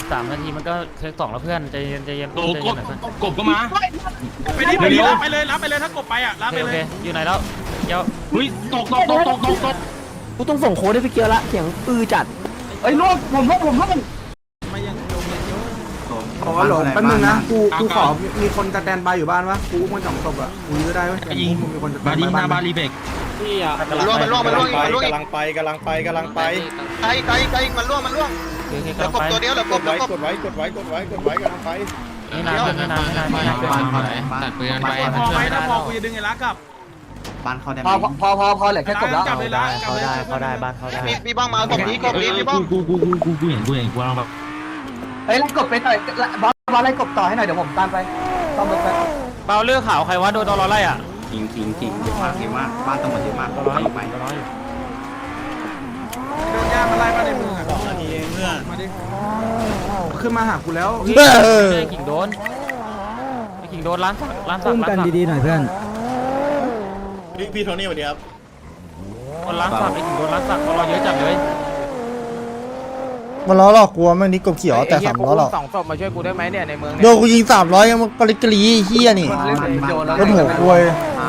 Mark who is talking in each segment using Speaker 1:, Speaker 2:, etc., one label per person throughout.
Speaker 1: 3 นาทีมันก็เทค2แล้วเพื่อนใจเย็นใจเย็น
Speaker 2: โอ้
Speaker 1: ใจ
Speaker 2: ก
Speaker 1: เย็
Speaker 2: บ
Speaker 1: นหน่อยเพื่อน
Speaker 2: กบก็มา
Speaker 3: ไปดิไปดิรับไปเลยรับไปเลยถ้ากบไปอ่ะรับไป
Speaker 1: โอ
Speaker 3: เล
Speaker 1: เค
Speaker 3: ย
Speaker 1: อยู่ไหนแล้วเดี๋ยว
Speaker 2: เฮ้ยตก
Speaker 4: กูต้องส่งโค้ดให้พี่เกียร์ละเสียงจัด
Speaker 5: ไอ้ยล่วงผมล่วง
Speaker 3: มายังโยมยังเยอะ
Speaker 5: ขอหลงแป๊บนึงนะกูขอมีคนสแตนบายอยู่บ้านวะกูมัน2ศพอ่ะกูยื้อได้ไหม
Speaker 2: ยิง
Speaker 5: มีคนสแต
Speaker 2: บาน ดี
Speaker 5: บาย
Speaker 2: หน้า
Speaker 5: บ้า
Speaker 2: บาน ลีเบก
Speaker 6: มันล่วงกำลังไปไกลมันล่วง
Speaker 1: โอเค
Speaker 6: เหลือกบตัวเดียวเหลือกบ
Speaker 7: กดไว้กำลังไป
Speaker 1: ไม่นานไม่นานไม่นานไม่นานตัดปืนไป
Speaker 3: พอไหมถ้าพอกูจะดึงไอ้รักกลับ
Speaker 7: บ้านเขาได้
Speaker 5: พอเหลือแค่กบแล้ว
Speaker 3: กลับเลยรัก
Speaker 4: เขาได้บ้านเขาได้
Speaker 6: พี่บ้องมากบนี้พี่บ้อง
Speaker 2: กูเห็นกูลองแบบ
Speaker 5: เฮ้ยไล่กบไปหน่อยบอสไล่กบต่อให้หน่อยเดี๋ยวผมตามไปต้องรถไป
Speaker 1: เปล่าเลือกขาวใครวะโดนตอรอไล่อ่ะ
Speaker 7: จริงเยอะมากบ้านตำรวจเยอะมากไป
Speaker 3: โดนย่ามาไล่มาในมืออ่ะมาดิ
Speaker 5: ขึ้นมาหากูแล้ว
Speaker 1: กิ่งโดนกิ่งโดนร้านสัก
Speaker 4: อุ้มกันดีๆหน่อยเพื่อน
Speaker 7: พี่โทนี่สวัสดีครับ
Speaker 1: คนร้านสักกิ่งโดนร้านสักเราเยอะจัดเลย
Speaker 8: มันล้อหลอกกลัวมันนี่กบเขียวแต่300หรอก
Speaker 4: 2 ศพมาช่วยกูได้ไหมเนี่ยในเมือง
Speaker 8: โดนกูยิง300ยังมันกริกรีเฮียนี่รถหัวกลวย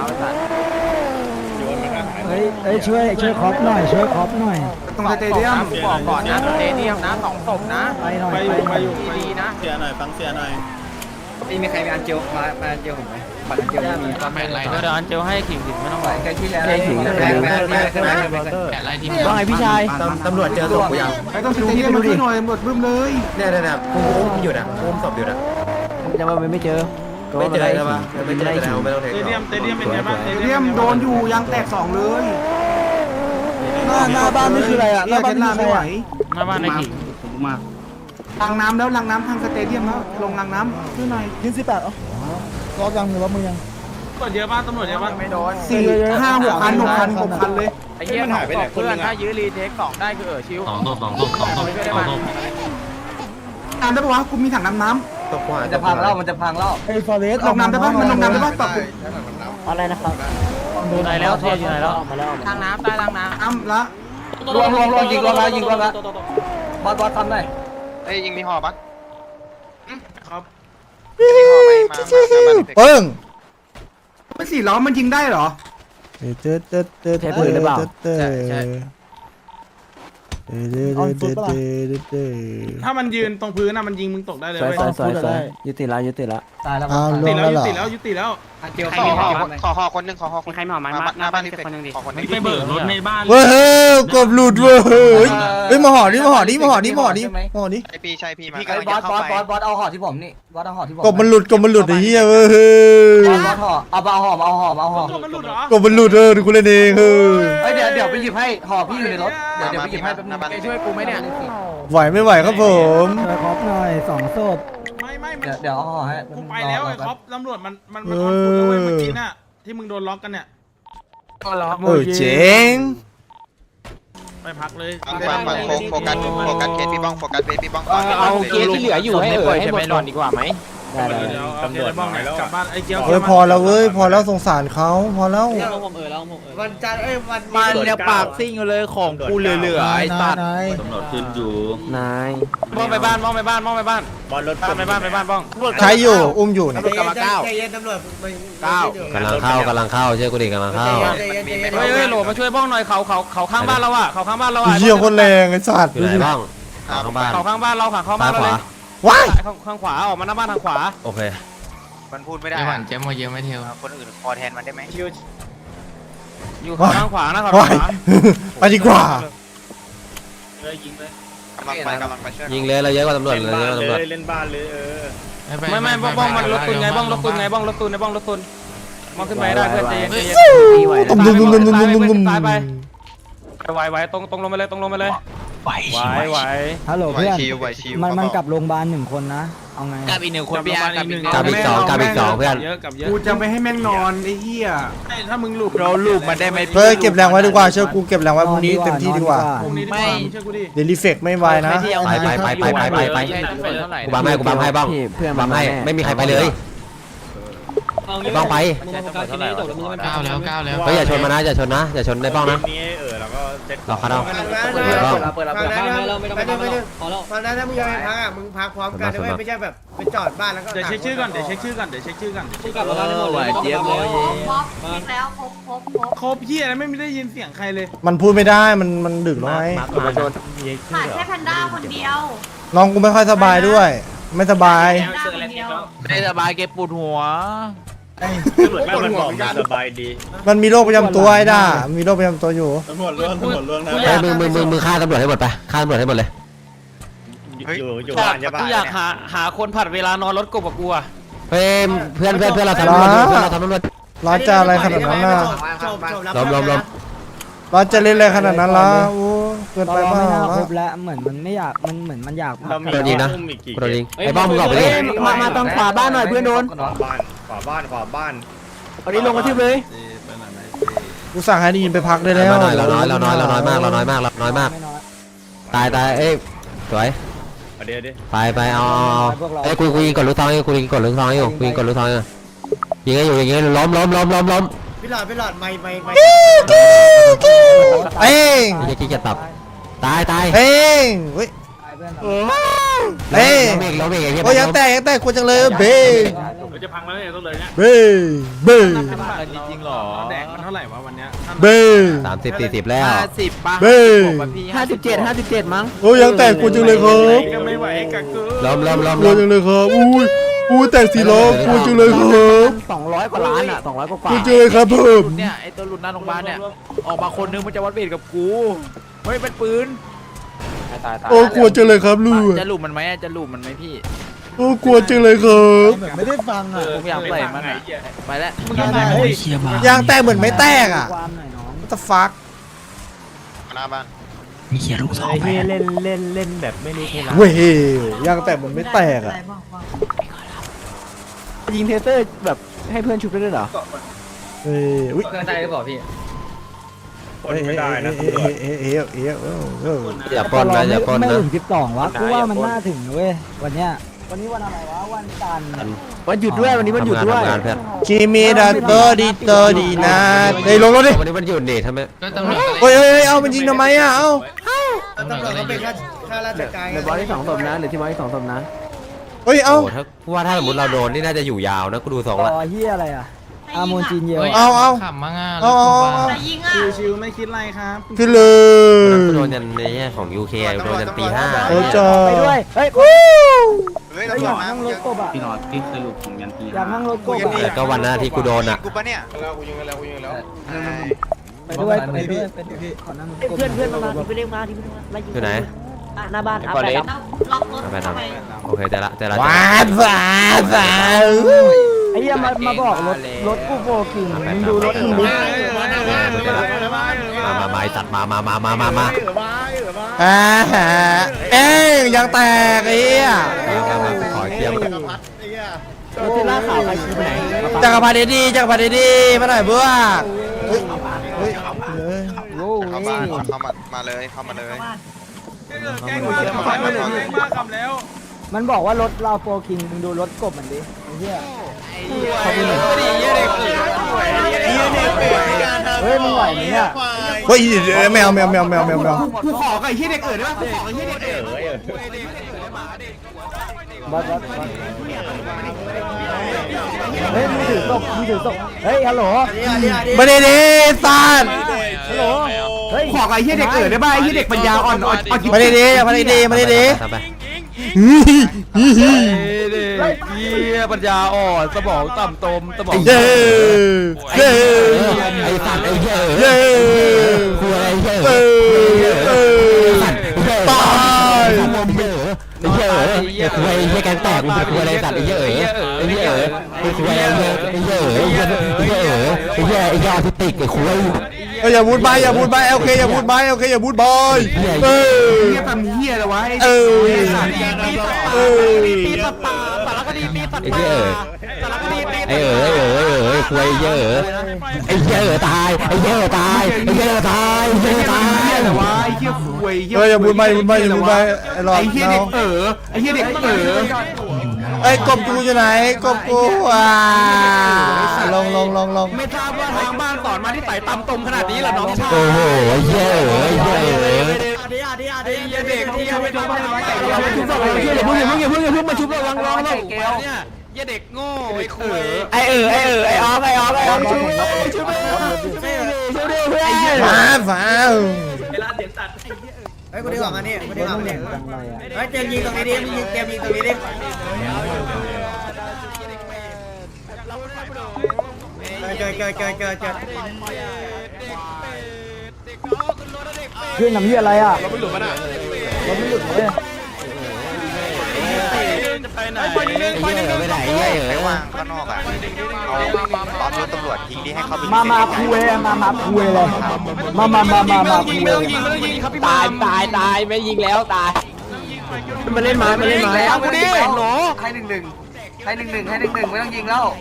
Speaker 4: เฮ้ยช่วยคอปหน่อยช่วยคอปหน่อย
Speaker 5: ตรงสเตเดียม
Speaker 4: บอกก่อนนะสเตเดียมนะ2 ศพนะไปหน่อยไปดีๆนะ
Speaker 7: เสียหน่อยฟังเสียหน่อย
Speaker 5: มีใครมีอันเจลมาอันเจลผมไหมบัตรอันเจลมี
Speaker 1: เดี๋ยวอันเจลให้ขิงไม่ต้องไหว
Speaker 5: แค่ที่แล้ว
Speaker 1: อะไรทีม
Speaker 4: ว่าไงพี่ชาย
Speaker 8: ตำรวจเจอศพกูยัง
Speaker 5: ไอ้ต้องสเตเดียมมาช่วยหน่อยหมดบึ้มเลย
Speaker 8: เนี่ยกูอุ้มอยู่นะอุ้มศพอยู่นะ
Speaker 4: จะมาไม่เจอ
Speaker 8: ไม่เจอใช่ปะไม่เจอแล้วไม่ต้องเท
Speaker 3: เตเดียมเป็นไงบ้าง
Speaker 5: สเตเดียมโดนอยู่ยังแตก2เลย
Speaker 4: หน้าบ้านนี่คืออะไรอ่ะหน้าบ้านนี่
Speaker 5: ไม่
Speaker 4: คือ
Speaker 5: ไหว
Speaker 1: หน้าบ้านในขิง
Speaker 7: ผมมา
Speaker 5: ล้างน้ำแล้วล้างน้ำทางสเตเดียมแล้วลงล้างน้ำช่วยหน่อย
Speaker 4: ยิง18รอยังหรือว่ามึงยัง
Speaker 3: ตำรวจเยอะมากตำรวจเยอะมาก
Speaker 4: ไม่โดน
Speaker 5: 4 5 6 คัน6 คันเลย
Speaker 4: ไอ้เหี้ยมันหายไปไหนเพื่อนถ้ายื้อรีเทค2ได้คือชิว
Speaker 2: 2 ศพ
Speaker 5: น้ำได้ปะวะกูมีถังน้ำ
Speaker 8: ตกหัว
Speaker 5: จะพังแล้วมันจะพังแล้ว
Speaker 4: ไอ้ฟอเรส
Speaker 5: ลงน้ำได้ปะมันลงน้ำได้ปะตบ
Speaker 4: อะไรนะครับ
Speaker 1: อยู่ไหนแล้วเทียอยู่ไหนแล้ว
Speaker 4: ทางน้ำใต้ทางน้
Speaker 5: น้ำละรวมยิงรวมแล้วบอสทำหน่อย
Speaker 6: เอ้ยยิงมีห่อปะ
Speaker 3: ครับ
Speaker 6: มีห่อไหมมา
Speaker 8: ปึ้ง
Speaker 5: ไม่4 ล้อมันยิงได้เหรอ
Speaker 3: ถ้ามันยืนตรงพื้นน่ะมันยิงมึงตกได้เลย
Speaker 4: ำ
Speaker 3: เว้ย
Speaker 4: สวยยุติละ
Speaker 5: ตายแล้ว
Speaker 3: ยุติแล้วยุติแล้วยุติแล้ว
Speaker 6: ขอห่อคนนึงขอห่อคนใครมีห่อไหมหน้าบ้านพี่คนนึงดิขอคนนึง
Speaker 2: ไปเบิกรถในบ้าน
Speaker 8: เว้ยกบหลุดเว้ยเฮ้ยมาห่อนี่ห่อนี่
Speaker 6: ใช่พี่ใช่พี่มา
Speaker 5: บอสเอาห่อที่ผมนี่บอสเอาห่อที่ผม
Speaker 8: กบมันหลุดไอ้เหี้ยเว้ย
Speaker 5: บอสห่อเอาห่อห่อ
Speaker 3: ตัวมันหลุดเหรอ
Speaker 8: กบมันหลุดกูเล่นเองเฮ้ย
Speaker 5: เดี๋ยวไปหยิบให้ห่อพี่อยู่ในรถเดี๋ยวไปหยิบให้แป๊บนึง
Speaker 4: ไปช่วยกูไหมเนี่ย
Speaker 8: ไหวไม่ไหวครับผม
Speaker 4: ช่วยคอปหน่อย2 ศพ
Speaker 3: ไม่
Speaker 5: เดี๋ยวเอาห่อให้
Speaker 3: กูไปแล้วไอ้คอปตำรวจมันออนฟุตแล้วเว้ยเมื่อกี้น่ะที่มึงโดนล็อกกันเนี่ย
Speaker 8: เจ๋ง
Speaker 3: ไปพักเลย
Speaker 6: ฟังโฟกัสเคสพี่บ้องโฟกัสพี่บ้องก่อน
Speaker 4: เอาเกียร์ที่เหลืออยู่ให้ให้หมดก่อนดีกว่าไหมได้
Speaker 3: เดี๋ยวเอาเคสไอ้บ้องเนี่ยกลับบ้านไอ้เกียว
Speaker 8: เฮ้ยพอแล้วเว้ยพอแล้วสงสารเขาพอแล้ว
Speaker 5: วันจันทร์วัน
Speaker 4: มันเนี่ยปากซิ่งเลยของกูเหลือไอ้สัตว์
Speaker 2: ตำรวจขึ้นอยู่
Speaker 4: นาย
Speaker 1: บ้องไปบ้านบ้อง
Speaker 7: บอลรถ
Speaker 1: ไปบ้านบ้อง
Speaker 8: ใครอยู่อุ้มอยู่เนี่ย
Speaker 4: กำลังก้าว
Speaker 5: เย็นตำรวจ
Speaker 4: กำลังเข้าเชื่อกูดิกำลังเข้า
Speaker 1: เฮ้ยโหลมาช่วยบ้องหน่อยเขาข้างบ้านเราอ่ะเขาข้างบ้านเราอ่ะ
Speaker 8: เหี้ยคนแรงไอ้สัตว์
Speaker 4: อยู่ไหนบ้างข้างบ้าน
Speaker 1: เขาข้างบ้านเราค่ะเข้าบ้านเราเลย
Speaker 8: ว้าย
Speaker 1: ข้างขวาออกมาหน้าบ้านทางขวา
Speaker 4: โอเค
Speaker 6: มันพูดไม่ได้เจ๊มเยอะไม่เทียวคนอื่นคอแทนมันได้ไหม
Speaker 1: อยู่ข้างขวานะเขา
Speaker 8: ว้ายไปดีกว่า
Speaker 6: กำลังไปช่วย
Speaker 4: ยิงเลยเราเยอะกว่าตำรวจ
Speaker 7: เล่น
Speaker 4: เลย
Speaker 7: บ้าน
Speaker 4: เยอะกว่าตำรวจ
Speaker 7: เลยเล่นบ้านเลย
Speaker 1: ไม่บ้องมันรถตุนไงบ้องรถตุนบ้องรถตุนมองขึ้นไปได้เพื่อนใจเย็น
Speaker 8: ตุ้ม
Speaker 1: ตายไปไหวตรงลงไปเลยไหว
Speaker 4: ฮัลโหลเพื่อน
Speaker 6: ชิว
Speaker 4: มันกลับโรงพยาบาล1 คนนะเอาไง
Speaker 1: กับอีก1 คนพี่อาร์
Speaker 4: กับอีกสองเพื่อน
Speaker 1: เยอะกับเยอะ
Speaker 5: กูจะไม่ให้แม่งนอนไอ้เหี้ย
Speaker 3: ถ้ามึงหลุด
Speaker 1: เราลูกมันได้ไหม
Speaker 8: เฮ้ยเก็บแรงไว้ดีกว่าเชื่อกูเก็บแรงไว้พรุ่งนี้เต็มที่ดีกว่า
Speaker 3: พรุ่งนี้ดีกว่าเชื่อกูดิ
Speaker 8: เดี๋ยวรีเฟกไม่ไหวนะ
Speaker 4: ไปกูบัมให้บ้างเพื่อนบัมให้ไม่มีใครไปเลยบ้างไป
Speaker 1: 9 แล้ว
Speaker 4: เฮ้ยอย่าชนมานะอย่าชนได้บ้างนะ
Speaker 7: นี้แล้วก็
Speaker 4: รอเขาเอา
Speaker 9: ฟังนะฟังนะถ้ามึงยังไม่พักอ่ะมึงพักพร้อมกันนะไม่ใช่แบบไปจอดบ้านแล้วก็
Speaker 3: เดี๋ยวเช็คชื่อก่อนเดี๋ยวเช็คชื่อก่อนเดี๋ยวเช็คชื่อก่อน
Speaker 10: เจี๊ยบเลย
Speaker 9: แล้วครบ
Speaker 3: ครบเฮียแล้วไม่ได้ยินเสียงใครเลย
Speaker 8: มันพูดไม่ได้มันดึกแล้วไง
Speaker 9: ขาดแค่แพนด้าคนเดียว
Speaker 8: น้องกูไม่ค่อยสบายด้วย ไม่สบาย
Speaker 9: แพนด้าคนเดียว
Speaker 10: ไม่สบายเก็บปวดหัว
Speaker 5: มันบอกกัน
Speaker 8: มันมีโรคประจำตัวไอ้ด่ามีโรคประจำตัวอยู่
Speaker 1: กูอ
Speaker 4: เฮ้
Speaker 1: ยาย ก
Speaker 4: มึงฆ่าตำรวจให้หมดไปฆ่าตำรวจให้หมดเลย
Speaker 1: กูอยากหาคนผัดเวลานอนรถกบกับกูอะ
Speaker 4: เฮ้ยเพื่อนเราทำตำรวจเพื่อนเราทำตำรวจ
Speaker 8: ร้อนจะอะไรขนาดนั้นล่ะ
Speaker 4: ล้ม
Speaker 8: ร้อนจะเล่นอะไรขนาดนั้นล่ะโอ้เกินไปเปล่า
Speaker 5: ครบแล้วเหมือนมันไม่อยากเหมือนมันอยาก
Speaker 4: โดนยิงนะโดนยิงไอ้บ้ามึงออกไปดิ
Speaker 5: มาตรงขวาบ้านหน่อยเพื่อนโดน
Speaker 7: ขวาบ้าน
Speaker 5: อันนี้ลงกระทืบเลย
Speaker 8: กูสั่งให้ได้ยินไปพักได้แล้ว
Speaker 4: มาหน่อยเราน้อยมากตายเอ้ยสวยไปเอาเอ้ยกูยิงกดลูกทองอยู่กูยิงกดลูกทองอยู่ยิงให้อยู่อย่างเงี้ยล้ม
Speaker 9: พี่หลอดไม่
Speaker 8: เอ้ง
Speaker 4: ไอ้ขี้จะตับตาย
Speaker 8: เอ้งเฮ้ยเอ้ง
Speaker 4: ล้มอีกไอ้เหี้ย
Speaker 8: โอ้ยังแตกกูจังเลยเบ้
Speaker 3: จะพังแล้วเนี่ยต้องเลยเนี่ย
Speaker 8: เบ้เบ้
Speaker 10: จริงๆหรอ
Speaker 3: แดกมันเท่าไหร่วะวันเนี้ย
Speaker 8: เบ้
Speaker 4: 30-40แล้ว
Speaker 10: 50ป่ะ
Speaker 8: เบ้
Speaker 5: 57มั้ง
Speaker 8: โอ้ยังแตกกูจังเลยครับ
Speaker 3: ก็ไม่ไหวกับกู
Speaker 4: ล้ม
Speaker 8: กูจังเลยครับอุ้ยแตกสีล้อกูจังเลยครับ
Speaker 5: 200 กว่าล้านอ่ะ200 กว่า
Speaker 8: กูจังเลยครับเพิ่ม
Speaker 10: เนี่ยไอตัวหลุดหน้าโรงพยาบาลเนี่ยออกมาคนนึงมันจะวัดเวทกับกูเฮ้ยเป็นปืน
Speaker 8: โอ้กลัวจังเลยครับลูก
Speaker 10: จะหลุมมันไหมจะหลุมมันไหมพี่
Speaker 8: โอ้กลัวจังเลยครับ
Speaker 5: ไม่ได้ฟังอ่ะ
Speaker 10: ผมอยากใส่มันอ่ะไปแล้ว
Speaker 8: ยางแตกเหมือนไม่แตกอ่ะ
Speaker 5: ความหน่อยน้อง
Speaker 8: What the fuck
Speaker 6: หน้าบ้าน
Speaker 5: เล่นแบบไม่รู้เทละ
Speaker 8: เว้ยยางแตกเหมือนไม่แตกอ่ะ
Speaker 5: ยิงเทเตอร์แบบให้เพื่อนชุบได้ด้วยเหรอ
Speaker 8: เฮ้ยอุ้ย
Speaker 1: เครื่องใจหรือเปล่าพี่
Speaker 8: ไม่ได้นะ
Speaker 4: อย่าปล้นนะอย่าปล้น
Speaker 5: ไม่
Speaker 4: นะ
Speaker 5: ถึง12วะกูว่ามันน่าถึงเว้ยวันเนี้ยวันนี้วันอะไรวะวันจันทร์วันหยุดด้วยวันนี้วันหยุดด้วย
Speaker 4: ทำงานเพื่อน
Speaker 8: คิมิดาโตดีนะเฮ้ยลงรถดิ
Speaker 4: วันนี้มันหยุดนี่ทำไม
Speaker 8: เฮ้ยเอามันยิงทำไมอ่ะเอ้า
Speaker 9: ตำรวจเขาเป็นข้าราชการ
Speaker 5: ในบอลที่2ศพนะหรือที่บอลที่2ศพนะ
Speaker 8: เฮ้ยเอา
Speaker 4: โอ้ถ้าว่าถ้าสมมติเราโดนนี่น่าจะอยู่ยาวนะกูดูทรง
Speaker 5: ต่
Speaker 4: ละ
Speaker 5: อเฮียอะไรอ่ะอาโมนจีนเยล
Speaker 8: เอา
Speaker 1: ขำมากอ่ะ
Speaker 8: เอา
Speaker 9: จะยิงอ่ะ
Speaker 3: ชิวๆไม่คิดอะไรครับ
Speaker 8: พี่เลย
Speaker 4: กูโดนยันในแง่ของ UK โดนยันตี
Speaker 8: โอ้จ้า
Speaker 5: ไปด้วยเฮ้ย
Speaker 6: เฮ้ย
Speaker 5: อยากนั่งรถกบอ่ะ
Speaker 7: พี่นอตพี่สรุปของยันที
Speaker 5: อยากนั่งรถกบ
Speaker 4: 5แต่ก็วันหน้าที่กูโดนอ่ะ
Speaker 6: กูปะเนี่ย
Speaker 5: ไปด้วยขอนั่งรถกบ
Speaker 9: เพื่อนมาที่เรียกมาที่ไล่
Speaker 4: อยู่ไหน
Speaker 9: หน้าบ้าน
Speaker 1: ไอ้ปอเล็ก
Speaker 9: ล็อกรถ
Speaker 4: ไปนำโอเคแต่ละ
Speaker 8: ว้าวว้าว
Speaker 5: ไอ้เหี้ยมาบอกรถกูโฟกิงมึงดูรถมึงดิ
Speaker 4: มาไอ้สัตว์มา
Speaker 8: เอ้ยยางแตกไอ้เหี้ย
Speaker 4: ขอเทียม
Speaker 5: รถที่ล่าข่าวใครชี้ไปไหน
Speaker 8: จักรพรรดิดีมาหน่อยเพื่อเฮ้ย
Speaker 5: โอ้
Speaker 6: เข้าบ้านมาเลยเข้ามาเลย
Speaker 3: แกล้งมากคำแล้วแกล้งมากคำแล้ว
Speaker 5: มันบอกว่ารถเราโฟกิงมึงดูรถกบมันดิไอ้เหี้ยเฮ้ยมึงไหวไหมเนี่ย
Speaker 8: เฮ้ยแมว
Speaker 5: กูขอไอ้เหี้ยเด็กเกิดได้ป่ะกูขอไอ้เหี้ยเด็กเกิดบัสเฮ้ยมึงถือศพเฮ้ยฮัลโหล
Speaker 8: มาดีสัตว์
Speaker 5: ฮัลโหลเฮ้ยขอไอ้เหี้ยเด็กเกิดได้ป่ะไอ้เหี้ยเด็กปัญญาอ่อน
Speaker 8: มาดี
Speaker 4: ทำไป
Speaker 1: เฮียปัญญาอ่อนสมองต่ำตมสมอง
Speaker 8: เย้
Speaker 4: ไอ้สัตว์ไอ้เหี้ย
Speaker 8: เย้
Speaker 4: กูอะไรเหี้ย
Speaker 8: ตาย
Speaker 4: ไอ้เหี้ยไอ้เหี้ยแกงแตกมึงกูอะไรสัตว์ไอ้เหี้ยไอ้เหี้ยกูอะไรไอ้เหี้ยไอ้เหี้ยออทิสติกไอ้คุย
Speaker 8: อย่าพูดไปโอเคอย่าพูดไปโอเคอย่าพูดบอย
Speaker 5: เหี้ยทำเหี้ยอะไรวะ
Speaker 8: เออ
Speaker 1: ปีสตาสารคดีปีส
Speaker 4: ไอ้
Speaker 1: ตา
Speaker 4: เหี้ย
Speaker 1: สารคดีปี
Speaker 4: ไอ้คุยไอ้เหี้ยตายไอ้เหี้ยตายไอ้เหี้ยตายไอ้เหี้ยตาย
Speaker 5: อะไรวะไอ้เหี้ยคุย
Speaker 8: อย่าพูดไปไอ้หลอด
Speaker 5: ไอ้เหี้ยเด็กไอ้เหี้ยเด็ก
Speaker 8: ไอ้กบกูอยู่ไหนกบกูลง
Speaker 5: ไม่ทราบว่าทางบ้าน
Speaker 1: อนมาที่ไต่ตำตมขนาดนี้ล่ะน้องชาย
Speaker 4: โอ้โหเย้เย้
Speaker 1: เหี้ยเด็กที่ยังไม่ทำอะไรอย่าเพิ่งมาชุบระวังร้องแล้วเนี่ยเหี้ยเด็กโง่ไอ้คุย
Speaker 10: ไอ้ออมชุบชุบเพื่อน
Speaker 8: ฟ้า
Speaker 9: เฮ้ยกูดีกว่างันนี่กูดีกว่างันนี่เฮ้ยเจมยิงตรงนี้ดิมึงยิงเจมยิงตรงนี้ดิเกิด
Speaker 5: ขึ้นน้ำเหี้ยอะไรอ่ะ
Speaker 1: เราไม่หลุดมันอ่ะ
Speaker 5: รถไม่หยุดเลย
Speaker 1: จะไปไหน
Speaker 4: ไม่ได้เย้
Speaker 6: ไปวางข้างนอกอ่ะเอาล้อมรถตำรวจทิ้งดิให้เข้าไป
Speaker 5: มาคุยเลยมาคุยเลยมาคุยเลย
Speaker 1: ครับพี่
Speaker 10: ตายไม่ยิงแล้วตาย
Speaker 1: มาเล่นมาแล้วกูดิหนู
Speaker 9: ให้หนึ่งไม่ต้องยิงแล้ว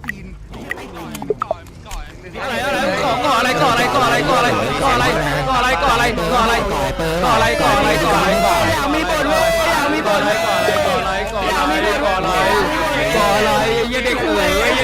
Speaker 1: ก่ออะไรมีบทเลยก่ออะไรเด็กมึง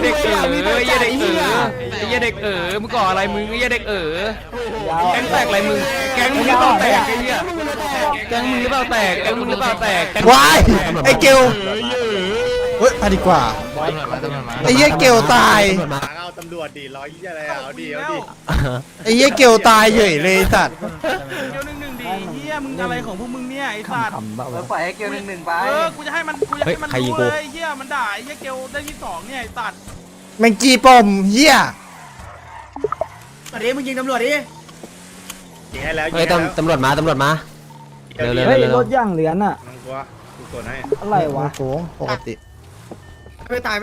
Speaker 1: ก่ออะไรมึงเด็กแก๊งแตกอะไรมึงแก๊งมึงหรือเปล่าแตกไอ้เหี้ยแก๊งมึงหรือเปล่าแตก
Speaker 8: วายไอ้เกลเฮ้ยมาดีกว่าไอ้เหี้ยเกลตาย
Speaker 7: เอาตำรวจดิร้อยยี่อะไรอ่ะเอาดิ
Speaker 8: ไอ้เหี้ยเกลตายเฉยเลยสัตว์
Speaker 3: เกียว1-1ดีเฮียมึงอะไรของพวกมึงเนี่ยไอ้สัตว์
Speaker 9: ปล่อยให้เกียว1-1ไป
Speaker 3: กูจะให้มันรู้เลยเฮียมันด่าไอ้เฮียเกียวได้ที่2เนี่ยไอ้สัตว์
Speaker 8: แมงจีปมเหี้ย
Speaker 9: ตอนนี้มึงยิงตำรวจดิ
Speaker 7: ยิงให้แล้ว
Speaker 4: เฮ้ยตำรวจมาเร็ว
Speaker 5: เฮ้ยรถย่างเหรียญอ่ะ
Speaker 7: มึงกลัวกูกดให้
Speaker 5: อะไรวะ
Speaker 8: โค้งปกติ
Speaker 9: ไม่ตาย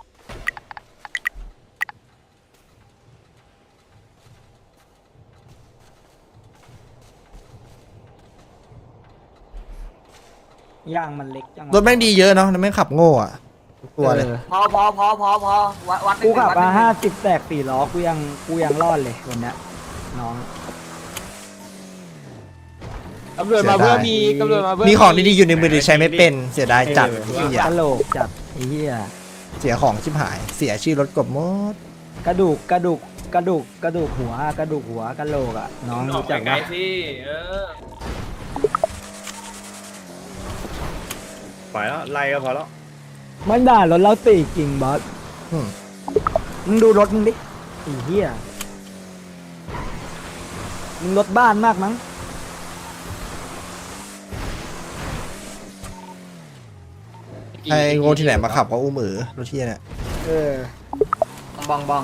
Speaker 5: ย่างมันเล็กจัง
Speaker 8: รถแม่งดีเยอะเนาะแล้วแม่งขับโง่อะตัวเลย
Speaker 9: พอวัด
Speaker 5: กูขับมา50แตก4ล้อกูยังรอดเลยวันเนี้ยน้อง
Speaker 10: ตำรวจมาเพื่อมีตำรวจมาเพื่อ
Speaker 8: มีของดีๆอยู่ในมือแต่ใช้ไม่เป็นเสียดายจัดเหี้ย
Speaker 5: กะโหลกจัดไอ้เหี้ย
Speaker 8: เสียของชิบหายเสียชื่อรถกบหมด
Speaker 5: กระดูกหัวกะโหลกอ่ะน้องรู้จักไหม
Speaker 7: ปล่อยแล้วไล่ก็พอแล้ว
Speaker 5: มันด่ารถเราตีกิ่งบอส
Speaker 8: อืม
Speaker 5: มึงดูรถมึงดิไอ้เหี้ยมึงรถบ้านมากมั้ง
Speaker 8: ไอ้โง่ที่ไหนมาขับก็อุ้มรถเที่ยเนี่ย
Speaker 9: บ้อง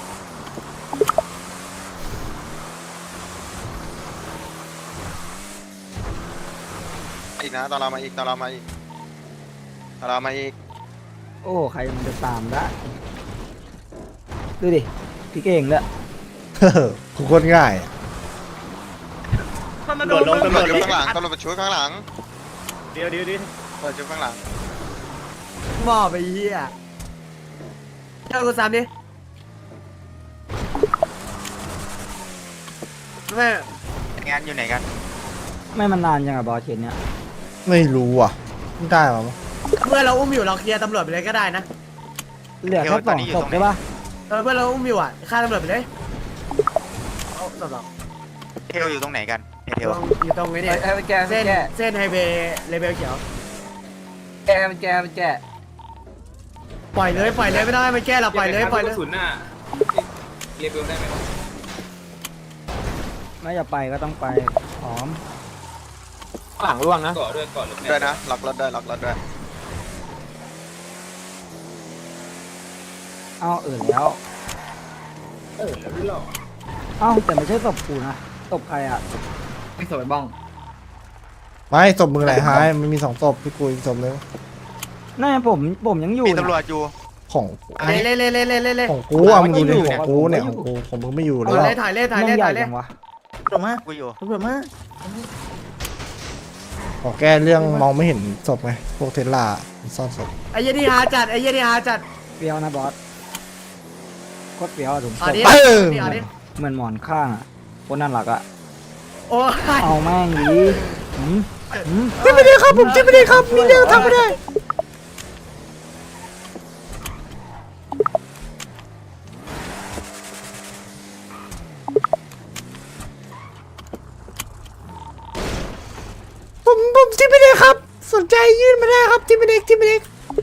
Speaker 6: อีกนะตอนเรามาอีก
Speaker 5: โอ้ใครมันจะตามได้ดูดิพี่เก่งเลย
Speaker 8: กูโคตรง่ายอะ
Speaker 3: ตำร
Speaker 7: ตำรวจลง
Speaker 3: วจ
Speaker 7: ตำรวจลง
Speaker 6: ตำรวจช่วยข้างหลัง
Speaker 7: เดี๋ยว
Speaker 6: เปิดช่วยข้างหลัง
Speaker 9: หม้อไปเหี้ยเจ้ากูซ้ำดิแม่
Speaker 6: งานอยู่ไหนกัน
Speaker 5: ไม่มันนานยังอะบอสเชนเนี้ย
Speaker 8: ไม่รู้อ่ะไม่ได้หรอมั้ง
Speaker 9: เพื่อนเราอุ้มอยู่เราเคลียร์ตำรวจไปเลยก็ได้นะ
Speaker 5: เหลือแค่2ศพใช่ปะ
Speaker 9: เพื่อนเราอุ้มอยู่อ่ะฆ่าตำรวจไปเลยเอาตำรวจ
Speaker 6: เทลอยู่ตรงไหนกันเทล
Speaker 9: อยู่ตรงนี้เนี่ยเส้นไฮเวย์เลเวลเขียวแกปล่อยเลยไม่ได้มันแก้เราปล่อยเลย
Speaker 5: ไม่จะไปก็ต้องไปพร้อม
Speaker 10: หลังร่วงนะ
Speaker 6: ด้วยนะล็อกรถด้วย
Speaker 5: เอ้าแล้วเอ้าแต่ไม่ใช่ศพกูนะศพใครอ่ะ
Speaker 9: ไม่สวยบ้อง
Speaker 8: ไม่ศพมึงไหนหายมันมี2ศพพี่กูอีกศพนึง
Speaker 5: นั่นผมยังอยู่
Speaker 6: มีตำรวจอยู่
Speaker 8: ของ
Speaker 9: เล่
Speaker 8: ของกูอ่ะมึงดูดิของกูเนี่ยของกูของมึงไม่อยู่เลย
Speaker 9: ถ่ายเล่
Speaker 5: วะ
Speaker 6: กูอยู่
Speaker 8: ขอแก้เรื่องมองไม่เห็นศพไงพวกเทสลาซ่อนศพ
Speaker 9: ไอ้ยี่ที่หาจัด
Speaker 5: เฟี้ยวนะบอสโคตรเฟี้ยวอะถุงศ
Speaker 9: อัน
Speaker 5: พ
Speaker 9: นี้
Speaker 5: เหมือนหมอนข้างอ่ะโคตรน่ารักอ่ะ
Speaker 9: โอ้ย
Speaker 5: เอาแม่งดีหืม
Speaker 8: จิ้มไม่ได้ครับผมจิ้มไม่ได้ครับมีเรื่องทำไม่ได้สนใจยื่นมาได้ครับที่เป็นเอกที่เป็นเอก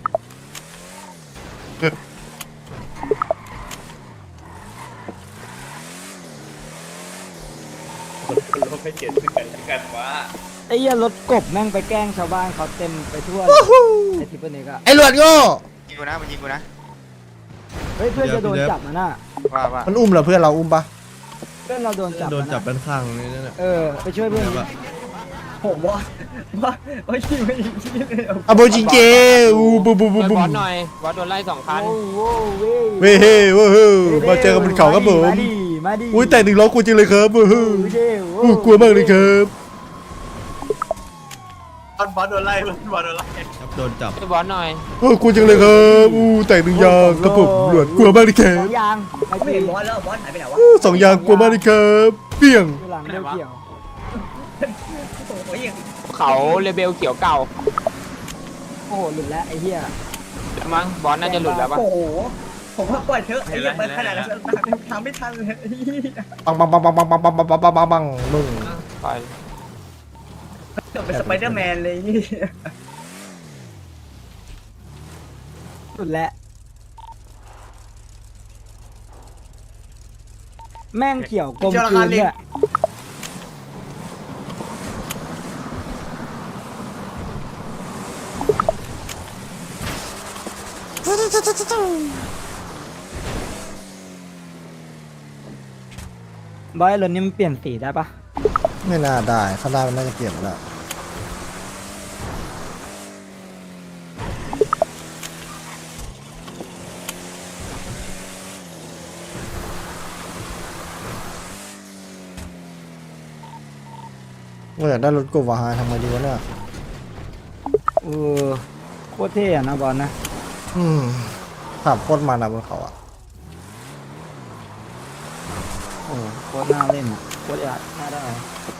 Speaker 10: ไอ้เหี้ยรถกบแม่งไปแกล้งชาวบ้านเขาเต็มไปทั่วไอ้ทิปเปอร์เนกอะ
Speaker 8: ไอ้หลวดโง่
Speaker 6: ยิงกูนะมันยิงกูนะ
Speaker 10: เฮ้ยเพื่อนจะโดนจับนะน่ะ
Speaker 6: ว่า
Speaker 8: มันอุ้มเหรอเพื่อนเราอุ้มปะ
Speaker 10: เพื่อนเราโดนจับ
Speaker 7: โดนจับ
Speaker 10: นะ
Speaker 7: ด้านข้างนี่นั่นแหละ
Speaker 10: ไปช่วยเพื่อนดิผมว่าโอ้ยไม่ยิง
Speaker 8: อะโบจิงเจอูบูบูบูบู
Speaker 1: บอสหน่อยบอสโดนไล่2 คัน
Speaker 8: เว้ยเฮ้ยเว้ยเฮ้ยมาเจอกันบนเขาครับผม
Speaker 10: มาดิ
Speaker 8: อุ้ยแต่1 ล้อกูจริงเลยครับเฮ้ยอู้กลัวมากเลยครับ
Speaker 7: โดนจับ
Speaker 1: ช่วยบอสหน่อย
Speaker 8: โอ้กูจังเลยครับอู้แต่1 ยางครับผมหลวดกลัวมากเลยครั
Speaker 10: สอบ งยางไม่เห็นบอสแล้วบอสหายไปไหนวะ
Speaker 8: อู้2 ยางกลัวมากเลยครับเปี้ยง
Speaker 10: หลังเดียวเกี่ยว
Speaker 1: เขาเลเบลเขียวเก่า
Speaker 10: โอ้โหหลุดแล้วไอ้เหี้ย
Speaker 1: มั้งบอสน่าจะหลุดแล้วปะ
Speaker 9: โอ้โหผมว่าปล่อยเถอะไอ้เหี้ยเปิดขนาดนั้นทำไม่ทันเลย
Speaker 8: ปังปังปังปังปังปังปังปังปังปังปังปังมึง
Speaker 1: ปล่อย
Speaker 9: เป็นสไปเดอร์แมนเลย
Speaker 10: หลุดแล้วแม่งเกี่ยวกลมกลืนเนี่ยบอยรถนี้มันเปลี่ยนสีได้ปะ
Speaker 8: ไม่น่าได้ข้างหน้ามันน่าจะเปลี่ยนแล้วว่าอยากได้รถกบวาฮาทำไงดีวะเนี่ย
Speaker 10: โคตรเท่อะนะบอลนะ
Speaker 8: ขับโคตรมันอะบนเขาอะ
Speaker 10: โอ้โคตรน่าเล่นอ่ะโคตรอยากน่าได้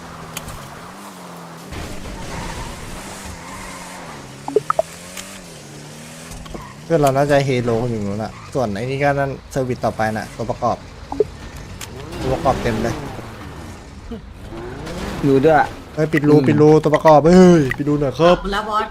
Speaker 8: เพื่อนเราน่าจะเฮโลอยู่นู้นอะส่วนไอ้นี่ก็นั่นเซอร์วิสต่อไปน่ะตัวประกอบเต็มเลย
Speaker 10: อยู่ด้วย
Speaker 8: เฮ้ยปิดรูตัวประกอบเฮ้ยปิดรูหน่อยครับ
Speaker 9: แล้วบอส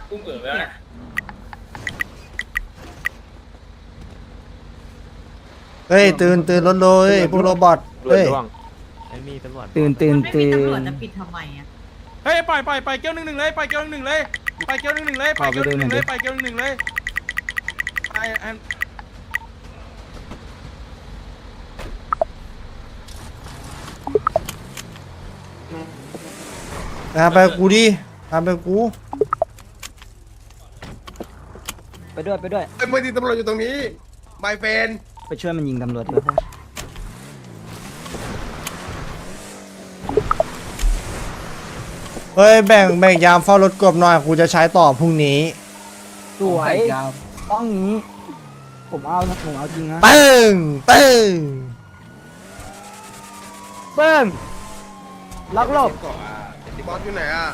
Speaker 8: เฮ้ยตื่นรถเลยพวกโรบอทเฮ้ย
Speaker 10: ตื่น
Speaker 9: ตำรวจจะปิดทำไมอ่ะ
Speaker 3: เฮ้ยปล่อยเกี้ยว1-1เลยปล่อยเกี้ยว1-1เลยปล่อยเกี้ยว1-1เลยปล่อยเกี้ยว1-1เลยปล่อยเกี้ยว1-1เลยไอ้อัน
Speaker 8: ไปกูดิไปกู
Speaker 10: ไปด้วย
Speaker 9: ไอ้เมื่อที่ตำรวจอยู่ตรงนี้ไมเฟน
Speaker 10: ไปช่วยมันยิงตำรวจด้วย
Speaker 8: เฮ้ยแบ่งยามเฝ้ารถกบหน่อยกูจะใช้ต่อพรุ่งนี้
Speaker 10: สวยต้องนี้ ผมเอาจริงนะ
Speaker 8: ปึ้ง
Speaker 10: เบิ้งล็อกหลบบ
Speaker 9: อสอยู่ไหนอ่ะ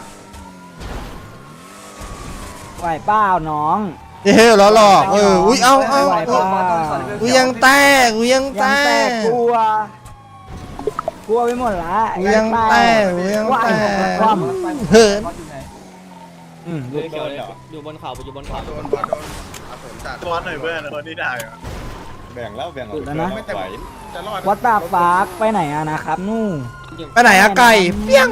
Speaker 10: ไหวเปล่าน้อง
Speaker 8: เฮ้ยล้อหลอกอุ้ยเอา
Speaker 10: ไหวเปล่า
Speaker 8: กูยังแตก
Speaker 10: ยังแตกกลัวไปหมดละ
Speaker 8: กูยังแตก
Speaker 10: ความ
Speaker 8: เหิน
Speaker 1: อยู่บนเขาอยู่บนเขา
Speaker 9: โดนเอาผมจัด
Speaker 7: บอสหน่อยเพื่อนคนที่ได้แบ่งแล้ว
Speaker 10: สุดแล้วนะ
Speaker 9: ไม่แต่จะรอด
Speaker 10: วัดตาฟากไปไหนอะนะครับนู่น
Speaker 8: ไปไหนอะไก่เปี้ยง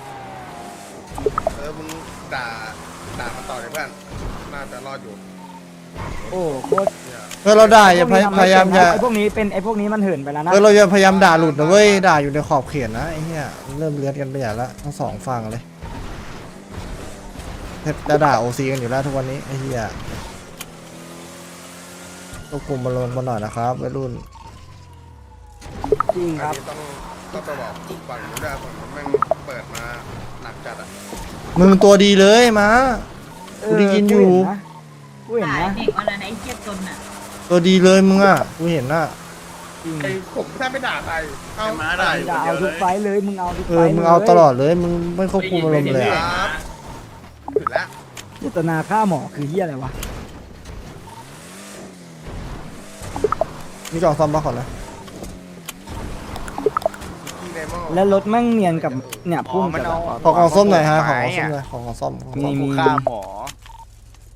Speaker 9: มึงด่ามันต่อเลยเพื่อนน่าจะรอดอยู่
Speaker 10: โอ้โคตร
Speaker 8: เราด่าอย่าพยายามอย่า
Speaker 10: ไอ้พวกนี้มันเหินไปแล้วนะ
Speaker 8: เราอย่าพยายามด่าหลุดนะเว้ยด่าอยู่ในขอบเขตนะไอ้เหี้ยเริ่มเลือดกันไปใหญ่ละทั้งสองฝั่งเลยจะด่าโอซีกันอยู่แล้วทุกวันนี้ไอ้เหี้ยควบคุมมาลงมาหน่อยนะครับวัยรุ่น
Speaker 10: จริงครับ
Speaker 9: ต้องไปบอกฝั่งนู้นด้วยฝั่งนู้นแม่งเปิดมาหนักจัดอ่ะ
Speaker 8: มึงตัวดีเลยมากูได้ยินอยู่
Speaker 10: กูเห็นนะ
Speaker 9: เด็กวันนั้นไอ้เจี๊ยบจนอ่ะ
Speaker 8: ตัวดีเลยมึงอ่ะกูเห็นน่ะ
Speaker 9: ไอ้ผมแทบไม่ด่าใครเอา
Speaker 7: มาได้
Speaker 10: อย่าเอาทุกไฟเลยมึงเอาทุกไฟ
Speaker 8: มึงเอาตลอดเลยมึงไม่ควบคุมอารมณ์เลย
Speaker 9: ค
Speaker 8: อะ
Speaker 9: รับถึงแล้ว
Speaker 10: เจตนาฆ่าหมอคือเหี้ยอะไรวะ
Speaker 8: มีกล่องซ่อมบ้าก่อนนะ
Speaker 9: ที่ในหม้อ
Speaker 10: แล้วรถแม่งเนียนกับเนี่ยพุ่งกับ
Speaker 8: ขอกล่องส้มหน่อยฮะขอกล่องส้มหน่อยขอกล่องส้ม
Speaker 10: มี
Speaker 7: ฆ่าหมอ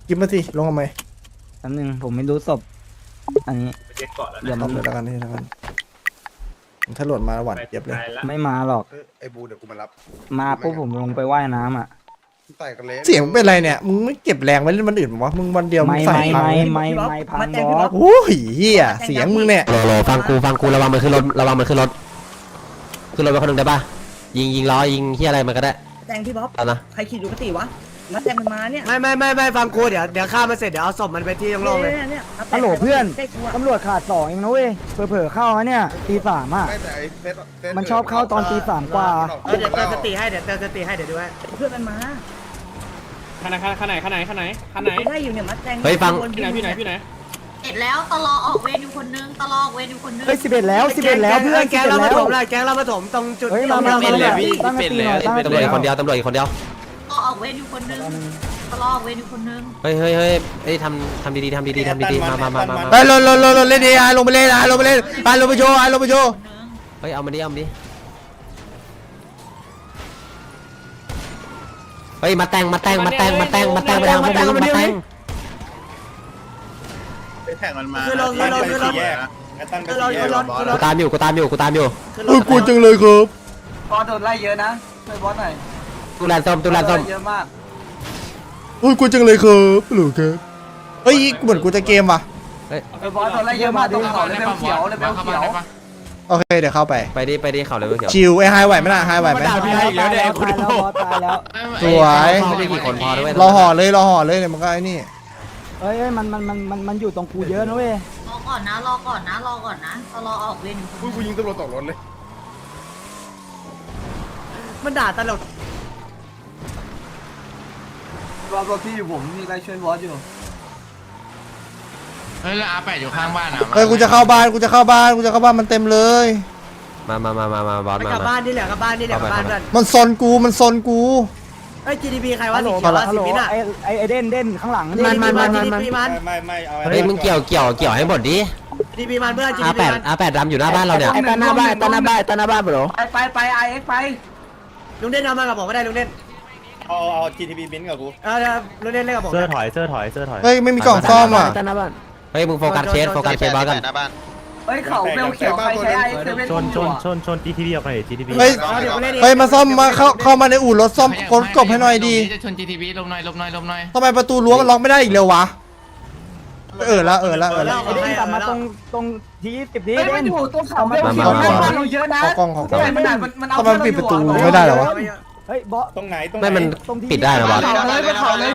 Speaker 8: กินมาสิลงทำไม
Speaker 10: อันนึงผมไม่รู้ศพอันนี้เดี๋ยว
Speaker 8: ทำเลยแล้วกันนี่แล้วกันถ้าหล่นมาหวานเจ็บเลย
Speaker 10: ไม่มาหรอก
Speaker 7: ไอ้บูเดี๋ยวกูมารับ
Speaker 10: มาปุ๊บผมลงไปว่ายน้ำอ่ะ
Speaker 7: ใส่กันเละ
Speaker 8: เสียงเป็นไรเนี่ยมึงไม่เก็บแรงไว้เล่นวันอื่นวะมึงวันเดียวมึง
Speaker 10: ไม่
Speaker 8: ใส่
Speaker 10: ไม่
Speaker 8: พัง
Speaker 10: ไม่พังบอส
Speaker 8: โอ้ยเฮียเสียงมึงเนี่ย
Speaker 4: โหลฟังกูระวังมันขึ้นรถระวังมันขึ้นรถไปคนหนึ่งได้ปะยิงล้อยิงเฮียอะไรมันก็ได้
Speaker 6: แตงพี่บ๊อบ
Speaker 4: ตอนนะ
Speaker 6: ใครขี่ดูกติวะมาแตงมันมาเนี่ย
Speaker 9: ไม่ฟังกูเดี๋ยวฆ่ามันเสร็จเดี๋ยวเอาศพมันไปที่โล่งๆเลย
Speaker 6: เนี่ย
Speaker 10: ฮัลโหลเพื่อนตำรวจขาด2เองนะเว้ยเผลอๆเข้านะเนี่ยตี 3อ่ะ
Speaker 7: ไม่แต่ไอ้เซต
Speaker 10: มันชอบเข้าตอนตี 3กว่า
Speaker 9: เดี๋ยวเติมสติให้เดี๋ยวดูให้
Speaker 6: เพื่อนมันมา
Speaker 3: ข้างไหน
Speaker 6: ได้อยู่เนี่ยมาแตง
Speaker 4: เฮ้ยฟัง
Speaker 3: พี่ไหน
Speaker 11: เสร็จแล้วตลอออกเวรอยู่คนนึงตลอออกเวรอยู่คนนึง
Speaker 10: เฮ้ย11แล้วเพื่อน
Speaker 9: แก๊งเรามาถมเลยแก๊งเรามาถมตรงจุด
Speaker 10: เฮ้ยมาตั้งสติหน่อยตั้งส
Speaker 4: ตำรวจ
Speaker 10: ติ
Speaker 4: อีกคนเดียวตำรวจอีกคนเดียว
Speaker 11: ตลอออกเวรอยู่คนนึงตลอออกเวรอยู่คนนึง
Speaker 4: เฮ้ยทำดีๆมา
Speaker 8: ไปลงเล่นดีลงไปเล่นลงไปโชว์ลงไปโชว์
Speaker 4: เฮ้ยเอามาดิเฮ้ยมาแต่งไปทางพวกมึงมาแต่ง
Speaker 7: ไปแข่งมันมาแยกไอ้ตั้นไปแยกบอส
Speaker 4: กูตามอยู่
Speaker 8: กูจังเลยครับ
Speaker 10: บอสโดนไล่เยอะนะช่วยบอสหน่อย
Speaker 4: ตุลานส้ม
Speaker 10: เยอะมาก
Speaker 8: กูจังเลยครับหรือครับเฮ้ยเหมือนกูจะเกมว่ะ
Speaker 10: บอสโดนไล่เยอะมากตรงเขาเลยเขียวโอเคเดี๋ยวเข้าไป
Speaker 4: ไปดิเขาเลยเขียว
Speaker 8: ชิวไอ้ไฮไหวไหมล่ะไฮไหวไหม
Speaker 10: ตายแล้ว
Speaker 8: สวย
Speaker 4: ไม่ได้กี่คนพอด้วย
Speaker 8: รอห่อเลยเนี่ยมันก็ไอ้นี่
Speaker 10: เฮ้ยมันอยู่ตรงกูเยอะนะเว้ย
Speaker 11: รอก่อนนะตลอออกเวรอยู่คนนึง
Speaker 7: กูยิงตำรวจตกรถเลย
Speaker 9: มันด่าตลก
Speaker 10: รถที่อยู่ผมมีใครช่วยบอสอยู่
Speaker 3: เฮ้ยแล้วอาแปดอยู่ข้างบ้านอ่ะ
Speaker 8: เฮ้ยกูจะเข้าบ้านมันเต็มเลย
Speaker 4: มาบอส
Speaker 9: ไป
Speaker 4: มาก
Speaker 9: ลับบ้านนี่แหละกลับบ้านเพื่อน
Speaker 8: มันซนกู
Speaker 9: เฮ้ย GDP ใครวะ
Speaker 10: ฮัลโหล
Speaker 9: สีเขียว
Speaker 10: ฮัลโหล
Speaker 9: สีมิ้นอ่ะ
Speaker 10: ไอเด่นข้างหลัง
Speaker 9: GDP มัน
Speaker 7: ไม่เอา
Speaker 4: เฮ้ยมึงเกี่ยวให้หมดดิ
Speaker 9: GDP มันเพื่อน GDP มัน
Speaker 4: อาแปดดำอยู่หน้าบ้านเราเนี่ย
Speaker 10: ตาหน้าบ้านบรอไปไอเอ็กไป
Speaker 9: ลุงเด่นเอามากับผมก็ได้ลุงเด่น
Speaker 7: เอา GTP บินกับกู
Speaker 9: ลุงเด่นเล่นกับผม
Speaker 2: เสื้อถอย
Speaker 8: เฮ้ยไม่มีกล่องซ่อมอ่ะ
Speaker 10: ตาหน้าบ้าน
Speaker 4: เฮ้ยมึงโฟกัสเคสบอสกัน
Speaker 10: เฮ้ยเขาเบลเขียวใครใช้ไอเอ็กเซเว่น
Speaker 2: ชน GTV ออกไป GTV
Speaker 8: เฮ้ยมาซ่อมมาเข้ามาในอู่รถซ่อมคนกบให้หน่อยดี
Speaker 3: จะชน GTV ลมหน่อย
Speaker 8: ทำไมประตูรั้วมันล็อกไม่ได้อีกเร็ววะละ
Speaker 10: ไอเด่นกลับมาตรงที่10ทีเด่นเอามา
Speaker 8: เยอะนะขอกล้องทำไมปิดประตูไม่ได้เหรอวะ
Speaker 10: เฮ้ยบอส
Speaker 7: ตรงไหน
Speaker 4: ไม่มันปิดได้เหรอบอส